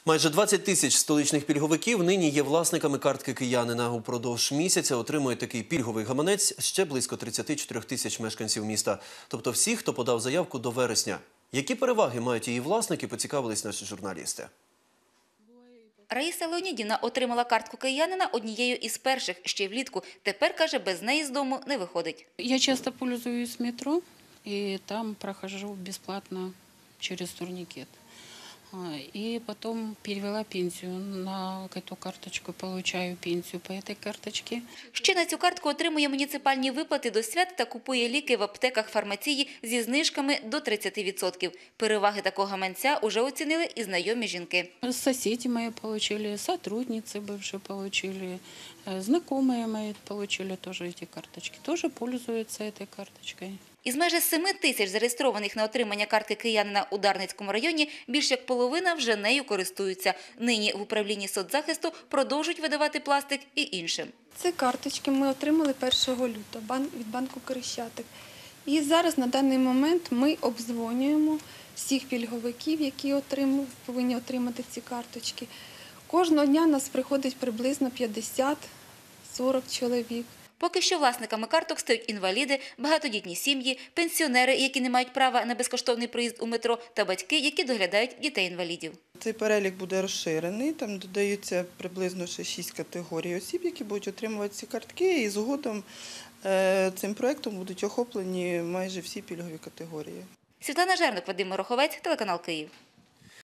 Майже 20 тисяч столичних пільговиків нині є власниками картки киянина. Упродовж місяця отримує такий пільговий гаманець ще близько 34 тисяч мешканців міста. Тобто всі, хто подав заявку до вересня. Які переваги мають її власники, поцікавились наші журналісти. Раїса Леонідівна отримала картку киянина однією із перших ще влітку. Тепер, каже, без неї з дому не виходить. Я часто пользуюсь метро и там прохожу бесплатно через турникет. И потом перевела пенсию на эту карточку, получаю пенсию по этой карточке. Ще на цю картку отримує муніципальні виплати до свят та купує ліки в аптеках фармації зі знижками до 30%. Переваги такого гаманця уже оцінили і знайомі жінки. Соседи мои получили, сотрудницы бывшие получили, знакомые мои получили тоже эти карточки. Тоже пользуются этой карточкой. Із майже 7 тисяч зареєстрованих на отримання картки киянина у Дарницькому районі більш як половина вже нею користуються. Нині в управлінні соцзахисту продовжують видавати пластик і іншим. Ці карточки ми отримали 1 лютого від банку «Крещатик». І зараз на даний момент ми обдзвонюємо всіх пільговиків, які повинні отримати ці карточки. Кожного дня нас приходить приблизно 50-40 чоловік. Поки що власниками карток стають інваліди, багатодітні сім'ї, пенсіонери, які не мають права на безкоштовний проїзд у метро, та батьки, які доглядають дітей-інвалідів. Цей перелік буде розширений, там додаються приблизно ще 6 категорій осіб, які будуть отримувати ці картки, і згодом цим проєктом будуть охоплені майже всі пільгові категорії. Світлана Жерник, Вадим Мороховець, телеканал «Київ».